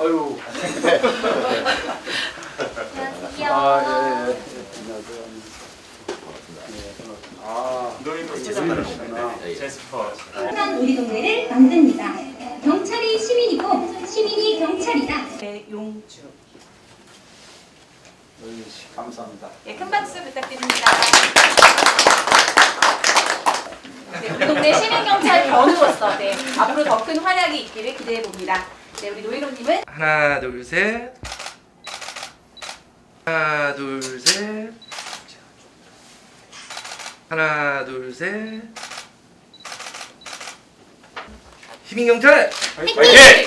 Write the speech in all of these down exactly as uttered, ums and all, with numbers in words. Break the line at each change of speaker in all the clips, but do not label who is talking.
아유.
안녕하세요.
아, 예, 예. 안녕하세요. 아,
너희도
제스퍼시구나.
제스퍼.
항상 우리 동네를 만듭니다. 경찰이 시민이고 시민이 경찰이다.
네, 용주.
어이, 감사합니다.
네, 큰 박수 부탁드립니다. 네, 우리 동네 시민경찰 변우로서 네, 앞으로 더 큰 활약이 있기를 기대해 봅니다. 네, 우리 노희로님은
하나 둘 셋. 하나 둘 셋. 하나 둘 셋. 시민경찰
화이팅!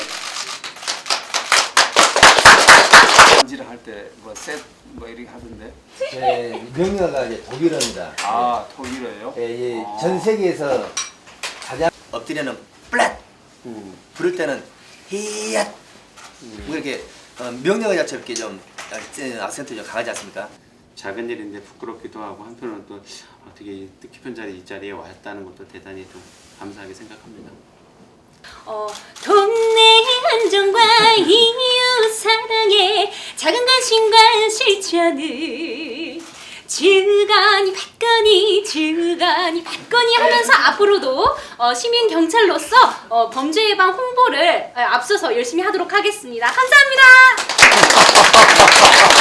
인지를 할 때 뭐 셋 뭐 이렇게 하던데.
네, 명령어가 이제 독일어입니다.
아, 독일어예요?
예, 예,
아.
전 세계에서 가장 엎드려는 플랫,
음.
부를 때는 히앗. 뭐 이렇게 어, 명령어 자체 이렇게 좀 어, 악센트 좀 강하지 않습니까?
작은 일인데 부끄럽기도 하고 한편으로는 또 어떻게 뜻깊은 자리 이 자리에 왔다는 것도 대단히 좀 감사하게 생각합니다.
어, 동네 안정과 이웃 사랑의 작은 관심과 실천을 주거니 받거니 주거니 받거니 하면서 앞으로도 어, 시민 경찰로서 어, 범죄 예방 홍보를 어, 앞서서 열심히 하도록 하겠습니다. 감사합니다.